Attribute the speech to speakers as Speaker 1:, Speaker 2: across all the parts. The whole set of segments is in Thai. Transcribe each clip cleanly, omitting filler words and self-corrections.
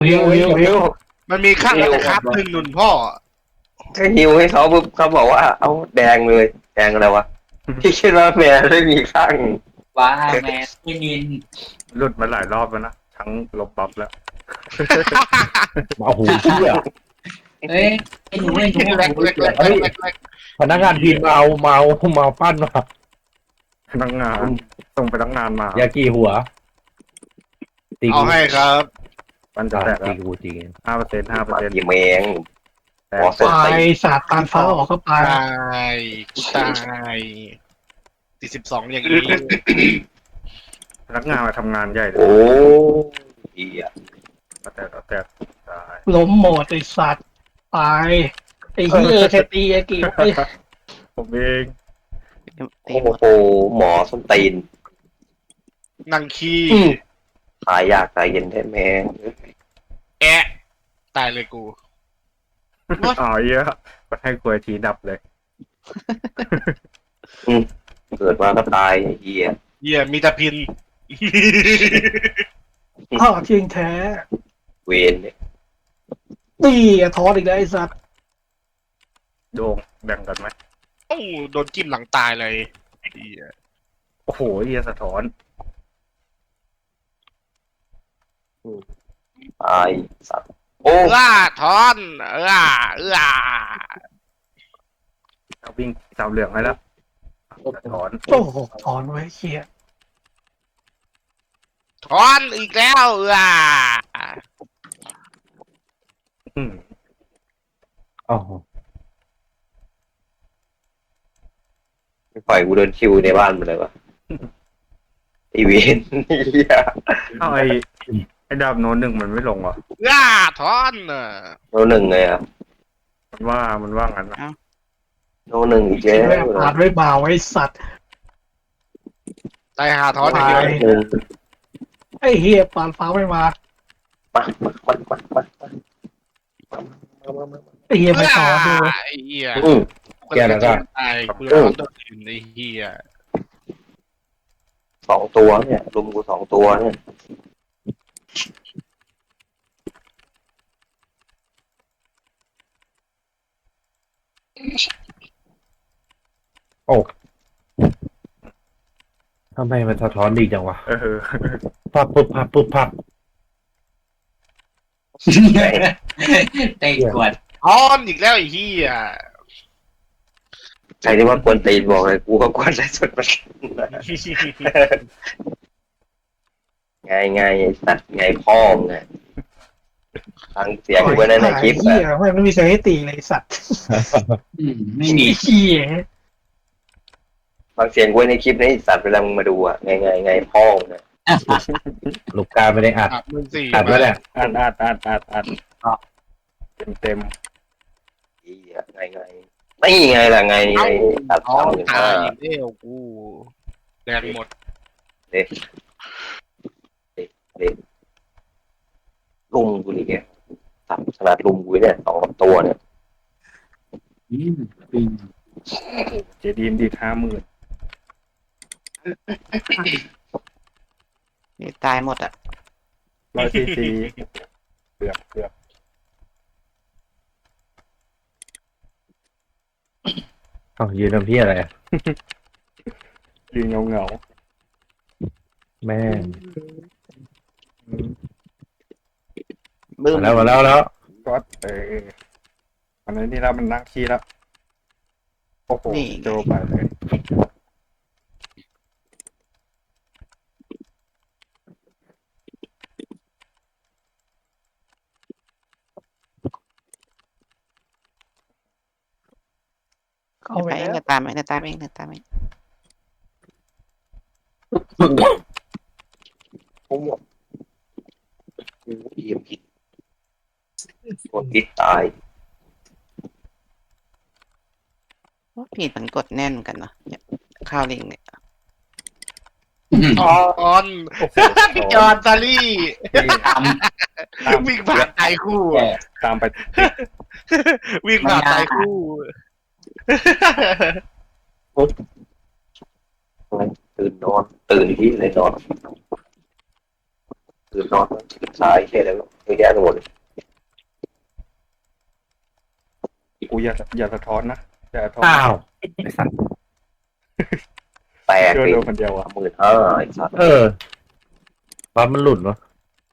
Speaker 1: ฮิว
Speaker 2: มันมีข้างแต่ครับหนึ่งหนุนพ่อ
Speaker 3: ก็ฮิวให้เขาปุ๊บเขาบอกว่าเอาแดงเลยแดงอะไรวะพี่คิดว่าแมวไม่มีข้าง
Speaker 4: ว้าแมนไม่มิน
Speaker 1: หลุดมาหลายรอบแล้วนะทั้งลบบัฟแล้ว
Speaker 5: โอ้โหเชี่ย
Speaker 4: เอ้ยไอ้หนูไอ้หนู
Speaker 2: เล็กเล็กเล็กเล็กเล็ก
Speaker 5: พนักงานพิมพ์เมาปั้นมา
Speaker 1: พนักงานส่งพนักงานมาย
Speaker 5: ากี่หัวตี
Speaker 2: เอาให้ครับ
Speaker 1: มันจะแตก
Speaker 5: ตี
Speaker 1: แล้ว
Speaker 5: กูจริง
Speaker 1: 5%
Speaker 3: กี่แมง
Speaker 1: แต่
Speaker 3: หัวสด
Speaker 6: ไป
Speaker 3: ใส
Speaker 6: สาดตานฟ้าออกเข้าไป
Speaker 2: ตายกูตาย42อย่างนี้
Speaker 1: พนักงานมาทำงานใหญ่เลย
Speaker 3: โอ้เหี้ย
Speaker 1: แต่ตาย
Speaker 6: ล้มหมดไอสัตว์ตายไอ้เหี้ยแค่ตีไอ้กี่ไอ้
Speaker 1: ผมเอง
Speaker 3: โอ้โหหมอส้นตีน
Speaker 2: นั่งขี้
Speaker 3: ตายยากตายเย็นแท้แมง
Speaker 2: แอะตายเลยกู
Speaker 1: อ๋อเยอะก็ให้กลวยทีดับเลย
Speaker 3: เกิดมาก็ตายไอ้เหี้ย
Speaker 2: เหี้ยมีแต่พิน
Speaker 6: ข้าวเทียงแท้
Speaker 3: เวนเนี่ย
Speaker 6: ตีทอดอีกแล้วไอ้สัตว์
Speaker 1: โดงแบ่งกันไหม
Speaker 2: โอ้โดนจิ้มหลังตายเลยเหี้ย
Speaker 1: โอ้โหเฮียสะท้อน
Speaker 3: ตายสัตว์โอ้
Speaker 2: ทอน
Speaker 1: เอาวิ่งสามเหลืองให้แล้วสะท้อน
Speaker 6: โอ้โหถอนไว้เหี้ย
Speaker 2: ทอนอีกแล้ว
Speaker 1: อืม
Speaker 5: อ๋อ
Speaker 3: ไม่ปล่อยกูเดินคิวในบ้านมันเลยวะไอเวนเหี้ย
Speaker 1: เอาไอ้ดาบโน้นหนึ่งมันไม่ลงเหรอ
Speaker 2: ทอน
Speaker 3: โนหนึ่งเลยอ่ะ
Speaker 1: มันว่างั้นนะ
Speaker 3: โนหนึ่งอีกแล้
Speaker 6: แม่ง
Speaker 3: ว
Speaker 6: ผ่านด้วยบ่าวไอ้สัตว์
Speaker 2: ตายหาทอนอย่างเดียว
Speaker 3: หนึ่ง
Speaker 6: ไอ้เหี้ยปานฟ้าไม่มา
Speaker 3: มา
Speaker 6: ไอ้เหี้ยไม่ถอนด้วย
Speaker 2: ไอ้เหี้ย
Speaker 5: แกแล้วก็
Speaker 2: ตายกูร้อนตัวอื่นไอ้เหี้ย
Speaker 3: 2 ตัวเนี่ยลุมกู2 ตัวเนี่ย
Speaker 5: ทำไมมันสะท้อนดีจังวะ
Speaker 1: เออ
Speaker 5: พับพับ
Speaker 4: เตะกวด
Speaker 2: ทอนอีกแล้วไอ้เหี้ย
Speaker 3: ใครที่ว่ากวนตีนบอกเลยกูก็กวนได้สุดมันไงไอ้สัตว์ไงพ่อมไงฟังเสียงไว้ในคลิป
Speaker 6: ไอ้เหี้
Speaker 3: อะ
Speaker 6: ยไม่มีเสียงให้ตีเลยไอ้สัตว์
Speaker 4: ไม่มี
Speaker 6: ไอ้เหี้ย
Speaker 3: ฟังเสียงไว้ในคลิปนะไอ้สัตว์เวลามึงมาดูอะไงพ่อมไง
Speaker 5: ลูกกาไม่ได้อัด
Speaker 2: มึงสี่
Speaker 5: อัดไว้แหละ
Speaker 1: อัดเต็ม
Speaker 3: ไอ้เหี้ยไงไม่ไงล่ะไง
Speaker 2: เอ้า
Speaker 3: ตัด
Speaker 2: ทอน
Speaker 3: ทำอย่าง
Speaker 2: ตา
Speaker 3: ว่าย
Speaker 2: อีกแล้วกูแดงหมด
Speaker 3: ลุมกูนี่แกตัดขนาดลุมกูเนี่ย2 ตัวเนี่ย
Speaker 1: เจดีนดี50,000
Speaker 7: นี่ตายหมดอ่ะ
Speaker 1: 100 cc เกือบ
Speaker 5: อ้าวยืนทำพี่อะไร
Speaker 1: ยืนเงา
Speaker 5: แม่ง
Speaker 7: บึ้ม
Speaker 5: มาแล้ว
Speaker 1: ก็อันนี้แล้วมันนั่งขี้แล้วโอ้โหโจไปเลย
Speaker 6: เข้าไป
Speaker 7: ไปเอง
Speaker 6: แล้ว
Speaker 7: เดี๋ยวตามเองเดี๋ยวตามเองเดี๋ยวตามเอง
Speaker 3: ผมบอกกูเอียมผิดกดผิดตาย
Speaker 7: ว่าผิดมันกดแน่นกันเนาะเนี่ยข้าวลิงเนี่ย
Speaker 2: ทอน
Speaker 1: โอ้โห
Speaker 2: พี่จอนซารี่
Speaker 4: ตาม
Speaker 2: วิ่งผ่านตายคู่
Speaker 1: ตามไป
Speaker 2: วิ่งผ่านตายคู่
Speaker 3: ตื่นที่เลยนอนคือนอนสายแค่แล้วเยอะแยะไปหมดเลย
Speaker 1: กูอย่าสะท้อนนะอย่าสะท้อน
Speaker 5: อ้าวไอ้สัตว์
Speaker 3: แตก
Speaker 1: โด
Speaker 3: ไป
Speaker 1: นคนเดียวอ่ะ
Speaker 3: 15,000ไอ้สัตว์
Speaker 5: ปั๊มมันหลุดวะ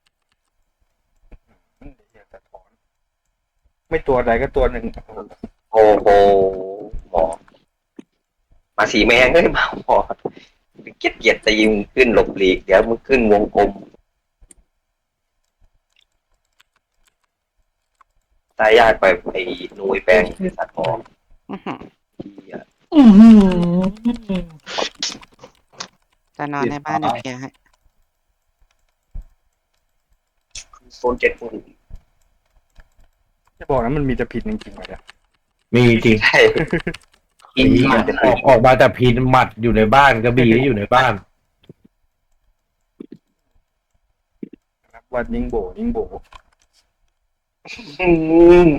Speaker 1: อย่าสะท้อน ไม่ตัวใดก็ตัวหนึ่ง
Speaker 3: โอ้โหหมอมาสีแมงเฮ้ยมาหมอเกลียดตีมึงขึ้นหลบหลีกเดี๋ยวมึงขึ้นวงกลมตายยากไปไอ้นุยแปลงไอ้สัตว์หมอ
Speaker 7: อื้อหือ
Speaker 3: เหี้ย
Speaker 6: อื้อหือ
Speaker 7: จะนอนในบ้านเดี๋ยวเคลียร์ให้
Speaker 3: โซน7 คน
Speaker 1: จะบอกนะมันมีแต่ผิดจริงๆเลยอะ
Speaker 5: มีจริง
Speaker 3: ใช่กินมันจะ
Speaker 5: ออกมาแต่พินหมัดอยู่ในบ้านกระบี่ก็อยู่ในบ้าน
Speaker 1: นะครับวันยิงโบยิงโบ
Speaker 3: อืม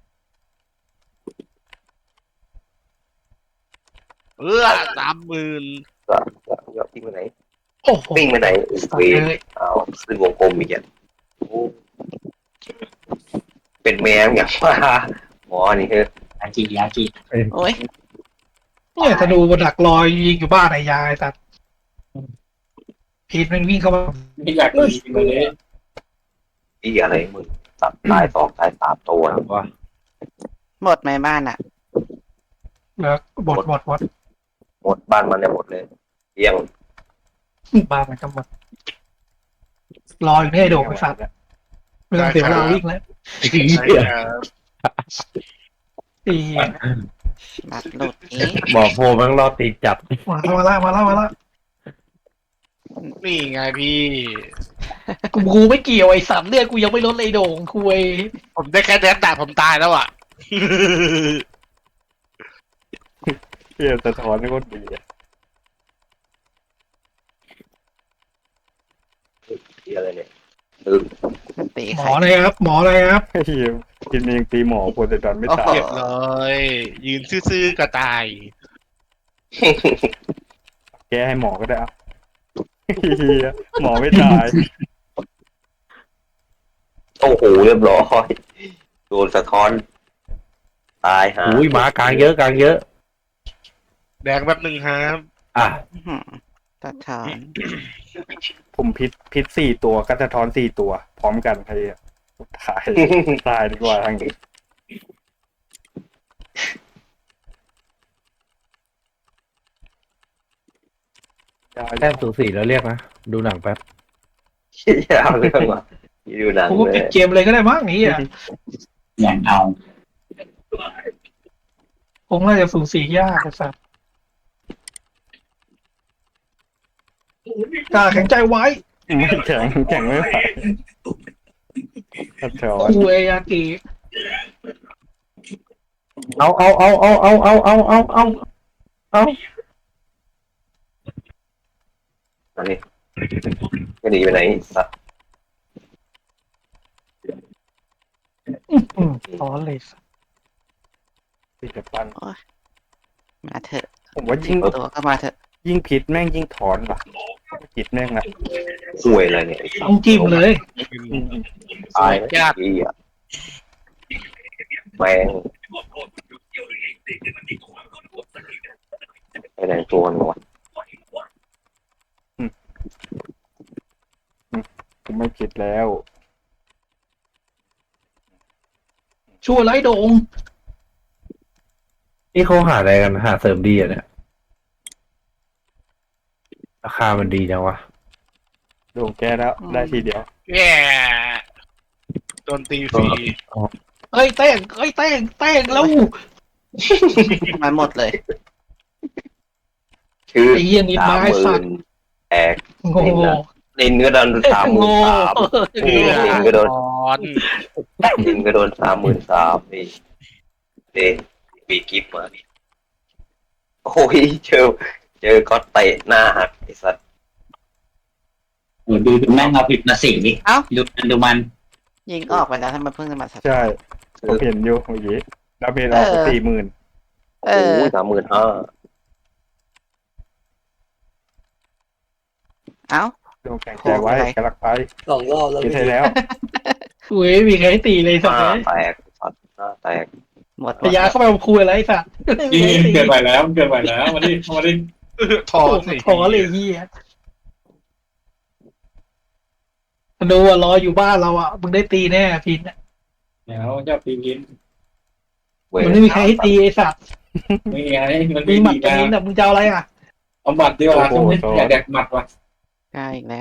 Speaker 2: 30,000
Speaker 3: ก็วิ่งไปไหน
Speaker 6: โอ้โห
Speaker 3: วิ่งไปไหน
Speaker 6: ตา
Speaker 3: เวย
Speaker 6: เลย
Speaker 3: เอาขึ้นวงกลมอีกอ่ะโอ้เป็นแมวอย่างว่าหมอนี่คือ
Speaker 4: ยาจี
Speaker 7: โอ้ย
Speaker 6: เนี่ยธนูบนดักรอยยิงอยู่บ้านไอ้ยายแต่พีทมันวิ่งเข้ามา
Speaker 4: ไม่อยากดีไปเลย
Speaker 3: ที่อะไรมึงสับตาย2 ตาย 3 ตัวนะ
Speaker 5: ว่า
Speaker 7: หมดไหมบ้านอ่ะ
Speaker 6: แล้วบด
Speaker 3: หมดบ้านมันเนี่ยหมดเลยเลี้ยง
Speaker 6: บ้านมันก็หมดรออยู่เนี่ยไอ้โดกไอ้สัตว์ไม่ต้องเสียเวลาวิ่งแล้ว
Speaker 2: ใช่ครับ
Speaker 6: ไอ้
Speaker 7: บัตรหลุดอีก
Speaker 5: บอกโพแมันรอตีจับ
Speaker 6: มาแล้ว
Speaker 2: นี่ไงพี่
Speaker 6: กูไม่เกี่ยวไอ้สัตว์เลือดกูยังไม่ลดเลยโด่งคุย
Speaker 2: ผมได้แค่แดนแต่ผมตายแล้วอ่ะ
Speaker 1: เฮียสะท้อนนี่โคตรดีอะ
Speaker 3: ที่อะไรเนี่ย
Speaker 7: ตี
Speaker 6: หม
Speaker 7: ใคร
Speaker 6: อเลยครับ หมอเลยครับ
Speaker 1: เฮียกินเองตีหมอโพไซดอนไม่ตาย
Speaker 2: เรียบร้อย ยืนซื่อๆกระตาย
Speaker 1: แกให้หมอก็ได้อะเฮียหมอไม่ตาย
Speaker 3: โอ้โหเรียบร้อยโดนสะท้อน ตายหา
Speaker 5: อุ้ยหมากลางเยอะกลางเยอะ
Speaker 2: แดงแบบหนึ่งครับ
Speaker 5: อ่ะ
Speaker 7: อื้อหือตัดถอน
Speaker 1: ผมพิษ4 ตัวก็สะท้อน4 ตัว พร้อมกันใครอะตายดีกว่าทางนี้
Speaker 5: แต้มสูสีแล้วเรียกนะ ดูหนังแป๊บ
Speaker 3: อย่าเอาเรื่องว่ะอยู่หนัง
Speaker 6: กูก็
Speaker 3: เล
Speaker 6: ปิด
Speaker 3: ย
Speaker 6: เกมเลยก็ได้มั้งนี่อ่ะ
Speaker 4: อย่างเอา
Speaker 6: คงน่าจะสูสียากไอ้สัตว์กล้าแข็งใจไว้
Speaker 1: ไม่แข็งไม่ไหวสะท้อน
Speaker 6: คุยยากิ
Speaker 5: เอา
Speaker 3: อันนี้จะหนีไปไหนสัตว์
Speaker 6: ถอนเลยสัตว์
Speaker 1: ติดแต่ปัน
Speaker 7: มาเถอะ
Speaker 1: ผมว่ายิ่ง
Speaker 7: ตัวก็มาเถอะ
Speaker 1: ยิ่งพิษแม่งยิ่งถอนว่ะพิษแม่งนะ
Speaker 3: ห่วยอะไรเนี่ยไอ้สัต
Speaker 6: ต้อง
Speaker 3: ว์
Speaker 6: จิ้มเลย
Speaker 3: ตายนะที่อ่ะแมงไปไหนตัวมันวะ
Speaker 1: ผมไม่ผิดแล้ว
Speaker 6: ช่วยไล่โด่ง
Speaker 5: นี่เขาหาอะไรกันหาเสริมดีอ่ะเนี่ย ราคามันดีจังวะ
Speaker 1: โดนแก้แล้วได้ทีเดียว
Speaker 2: แย่โดนตีฟรี
Speaker 6: เอ้ยเต้งแล้ว
Speaker 7: มาหมดเลย
Speaker 3: ชื่อ
Speaker 6: ไอ้เหี้ยนิดไม้สัตว์
Speaker 3: แตก
Speaker 6: โง่
Speaker 3: ลินก็โดน
Speaker 6: โง่
Speaker 3: ลินก็โดน
Speaker 2: ถอน
Speaker 3: ลินก็โดน33,000นี่เด็ปีกิฟมาโอ้ยเจอก็เตะหน้าหักไอ้สัตว์
Speaker 4: ดูแม่งเอาผิดมาสิดิ
Speaker 7: เอ้า
Speaker 4: ดูมัน
Speaker 7: ยิงออกไปแล้วทำไมเพิ่งจะมาสัตว์
Speaker 1: ใช่ผมเห็นอยู่เมื่อกี้ดาเมจออก40,000
Speaker 7: เอ
Speaker 3: โอ้
Speaker 7: อ
Speaker 3: ย35,000
Speaker 7: เอ้า
Speaker 1: ดวงแข็งใจไว้กำลังไป
Speaker 3: 2 รอบแล้ว
Speaker 1: กินให้แล้ว
Speaker 6: คุยมีใครให้ตีเลย
Speaker 3: ห
Speaker 6: สัตว์
Speaker 3: น้า
Speaker 6: เลย
Speaker 3: แตกสัตว์หน้าแตก
Speaker 7: หมด
Speaker 6: พยาเข้าไปเอาคุยอะไรไอ้สัตว์ไม่มีใครให้ตี
Speaker 4: เกินไปแล้วเกินไปแล้วมาดิมาดิ
Speaker 2: ถอ
Speaker 6: โอ้
Speaker 2: ดสิ
Speaker 6: โหเลยเฮียดูอ่ะรออยู่บ้านเราอ่ะมึงได้ตีแน่พิน
Speaker 4: เดี๋ยวจะปีกิน
Speaker 6: มันไม่มีใครให้ตีไอ้สัตว์
Speaker 4: ไม่ไงมัน
Speaker 6: มี
Speaker 4: มี
Speaker 6: หมัด
Speaker 4: ดี
Speaker 6: กับ
Speaker 4: นะ
Speaker 6: นินอ่ะมึงจะเอาอะไรอ่ะ
Speaker 4: เอาหมัดดีกว่าช่วงนี้อยากแดกหมัดว่ะ
Speaker 7: ใกล้อีกแล้ว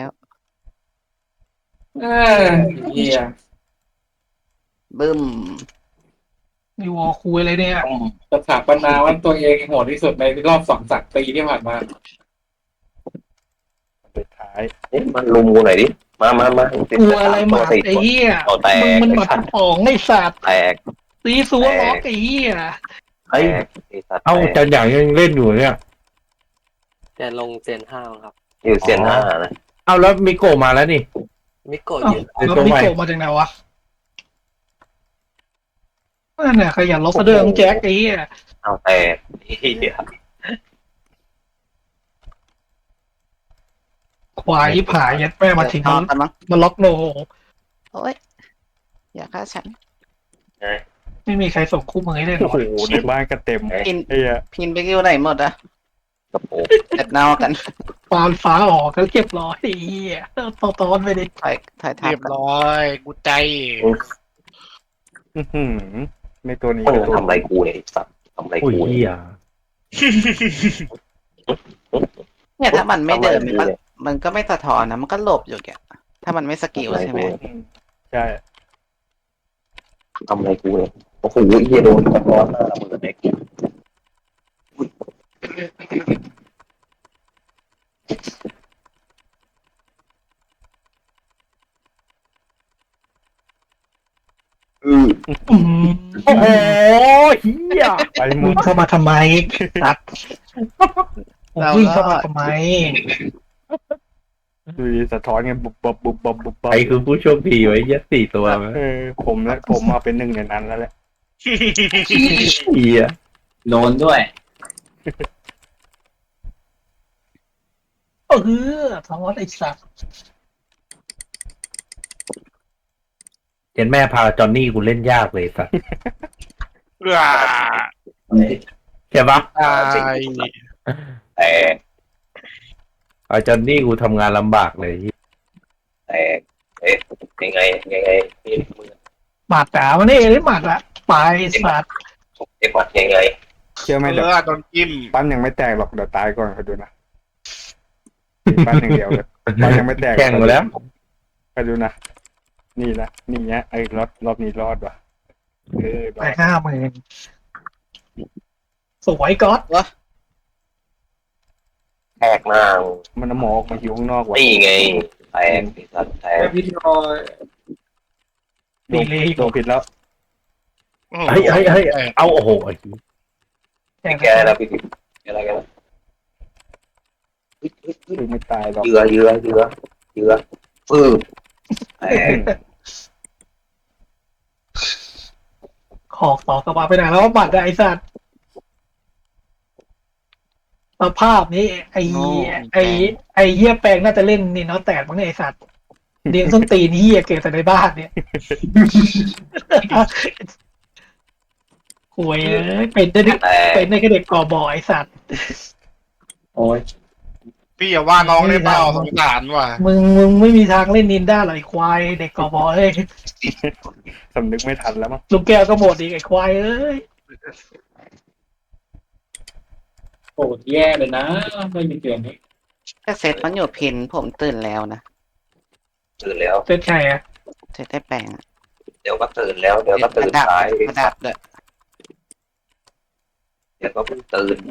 Speaker 4: เฮีย
Speaker 7: บึ้ม
Speaker 6: มีวอลคุยอะไรเนี่ย
Speaker 4: สถาปนาว่าตัวเองโหดที่สุดในรอบ2-3 ปีที่ผ่านมา
Speaker 1: สุดท้าย
Speaker 3: มันลุมกูหน่อยดิมา
Speaker 6: กลัวอะไรหมาไอ้เหี้ย
Speaker 3: เอาแตก
Speaker 6: มึงมันหมัดป๋องไอ้สัตว์
Speaker 3: แตก
Speaker 6: ตีซัวล็อกไอ้เหี้ย
Speaker 3: แตกไอ้สัตว์
Speaker 5: เอ้า
Speaker 3: แต
Speaker 5: จันอย่างยังเล่นอยู่เนี่ย
Speaker 8: จะลงเจน5ครับ
Speaker 3: อยู่เซียนห้านะ
Speaker 5: เอ้าแล้วมิโกะมาแล้วนี่
Speaker 8: มิโกะ
Speaker 6: เอ้า
Speaker 8: ยืน
Speaker 6: แล้วมิโกะมาจากไหนวะนั่นน่ะขยันล็อกเสะเดิมแจ็คไอ้เหี้ย
Speaker 3: เอาแตกเหี้ย
Speaker 6: ควายที่ผายยัดแม่มาถึง
Speaker 7: นอนกันมั้ง
Speaker 6: มาล็อกโน
Speaker 7: โอ้ยอย่าฆ่าฉัน
Speaker 6: ไม่มีใครส่งคู่มือให้ได้หร
Speaker 1: โอ้
Speaker 6: อก
Speaker 1: โหในบ้านก็เต็ม
Speaker 7: พิน
Speaker 1: ไอ้เหี้ย
Speaker 7: พินไปกิ้วไหนหมดอะ
Speaker 3: กระโปรง
Speaker 7: เด็ดเนากัน
Speaker 6: ปานฟ้าออกก็เรียบร้อยไอ้เหี้ยตอนไปดิ
Speaker 7: ถ่ายทับ
Speaker 2: เรียบ
Speaker 7: กัน
Speaker 2: ร้อยกูใจ
Speaker 1: อื้อหือในตัวนี้
Speaker 3: มึง
Speaker 1: ก็ตัว
Speaker 3: ทำอะไรกูเนี่ยไอ้สัตว์ทำอะไร
Speaker 5: อุ้ย
Speaker 3: กู
Speaker 5: เฮีย
Speaker 7: เนี่ยถ้ามันไม่เดิน
Speaker 3: ทำอะ
Speaker 7: มัน
Speaker 3: ร
Speaker 7: มันก็ไม่สะท้อนนะมันก็หลบอยู่แกถ้ามันไม่สกิลใช่ไหม
Speaker 1: อืมใช่
Speaker 3: ทำอะไรกูเนี่ยโอ้โหเหี้ยโดนกระร้อนหน้าระเบิดเด็ก
Speaker 6: อืม
Speaker 5: โอ้โหเฮีย
Speaker 1: ไปหม
Speaker 6: มึ
Speaker 1: ด
Speaker 6: งเข้ามาทำไมตัดวิ่งเข้ามาทำไม
Speaker 1: ดูดิสะท้อนไงบุบบับบุบบับบุบบับ
Speaker 5: ใครคือผู้โชคดีไว้เหี้ยัด4 ตัวมั้ย
Speaker 1: ผมและผมเอาเป็นหนึ่งในนั้นแล้วแหละ
Speaker 5: เฮีย
Speaker 4: โดนด้วย
Speaker 6: เออทอดไอ้สัตว์
Speaker 5: เห็นแม่พาจอนนี่กูเล่นยากเลยสัส
Speaker 2: ว้า
Speaker 5: ใช่ปะ
Speaker 2: ตาย
Speaker 3: แตก
Speaker 5: เอาจอนนี่กูทำงานลำบากเลย
Speaker 3: แตกยังไงนี่มือ
Speaker 6: หมัดจ๋ามันนี่ได้หมัดละไปสัตว์
Speaker 3: เจ็บหมัดยังไง
Speaker 1: เชื่อไหม
Speaker 2: เอ
Speaker 1: เดี๋ยว
Speaker 2: อโดนจิ้ม
Speaker 1: ปั้นยังไม่แตกหรอกเดี๋ยวตายก่อนคอยดูนะปั้นอย่างเดียวเลยปั้นยังไม่แตก
Speaker 5: แข่งมาแล้ว
Speaker 1: คอยดูนะนี่นะนี่เนี้ยไอ้รอบนี้รอดว่ะร
Speaker 6: ไป
Speaker 1: อด
Speaker 6: 50,000สวยก๊อต
Speaker 3: แตกหน้า
Speaker 1: มันเอาหมอออกมาหิวข้างนอกว่ะ
Speaker 3: นี่ไงแตกไอ้สัตว์แตก
Speaker 6: ดีเลย
Speaker 1: โดนผิดแล้ว
Speaker 5: เฮ้ยเอาโอ้โหไอ้เหี้ย
Speaker 3: ไม่แกแล้วพี่อะไรกัน
Speaker 1: คือไม่ตายหรอก
Speaker 3: เยือฟืบแตก
Speaker 6: ขอกต่อกลับมาไปไหนแล้วหมัดอะไอ้สัตว์สภาพนี้ไอ้เหี้ยแปลงน่าจะเล่นนี่เนาะแตกมั้งเนี่ยไอ้สัตว์เลี้ยงส้นตีนเหี้ยเกิดแต่ในบ้านเนี่ยหวยเป็นได้
Speaker 3: แตก
Speaker 6: เป็นได้แค่เด็กก่อบ่อไอ้สัตว์
Speaker 4: โอ้ย
Speaker 2: พี่อย่าว่าน้องได้เปล่าสงสารว่ะ
Speaker 6: มึงไม่มีทางเล่นนินได้หรอกไอ้ควายเด็กก่อบ่อเอ้ย
Speaker 1: สำนึกไม่ทันแล้วมั้ง
Speaker 6: ลูกแก้วก็หมดอีกไอ้ควายเอ้ย
Speaker 4: โหดแย่เลยนะ ไม่มีเตือนนี้
Speaker 7: ถ้าเซตมันอยู่พินผมตื่นแล้วนะ
Speaker 3: ตื่นแล้ว
Speaker 6: เส้นชัยอะ
Speaker 7: เซตได้แปลงอะ
Speaker 3: เดี๋ยวก็ตื่นแล้วเดี๋ยวก็ตื่น
Speaker 7: ดับ
Speaker 3: สาย
Speaker 7: กระดับเลย
Speaker 3: เดี๋ยวก็เพิ่งตื่น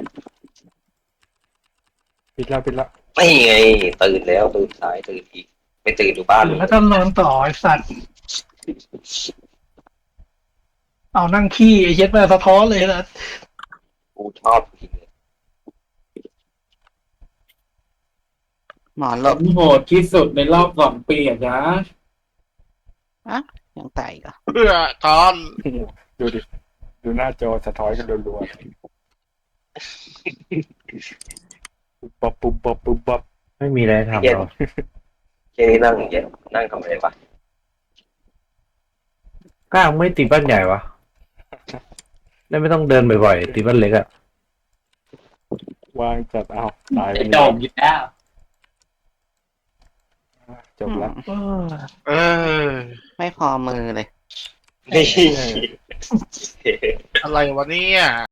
Speaker 1: ผิดแล้ว
Speaker 3: ไม่ไงตื่นแล้วตื่นสายตื่นอีกไม่ตื่นอยู่บ้าน
Speaker 6: แล้วก็นอนต่อไอ้สัตว์เอานั่งขี้ไอ้เย็ดมาสะท้อนเลยนะ
Speaker 3: กูชอบกิน
Speaker 7: หมอหลบ
Speaker 4: โหดที่สุดในรอบ2 ปีอ่ะจ๊ะ
Speaker 7: ยังตายอีกเหรอ
Speaker 2: เพื่อตอน
Speaker 1: ดูดิดูหน้าจอสะท้อนกันรัวๆปุ๊บปับ
Speaker 5: ไม่มีอะไรทำหรอก
Speaker 3: แค่นี้นั่งอย่างเงี้ยนั่งทำอะไรวะ
Speaker 5: ก้างไม่ตีบ้านใหญ่วะได้ไม่ต้องเดินบ่อยๆตีบ้านเล็กอะ
Speaker 1: วางจัดเอาตายไป
Speaker 4: จบอยู่แล้ว
Speaker 1: จบแล้ว
Speaker 2: เออ
Speaker 7: ไม่พอมือเลย
Speaker 3: นี่
Speaker 2: อะไรวะเนี่ย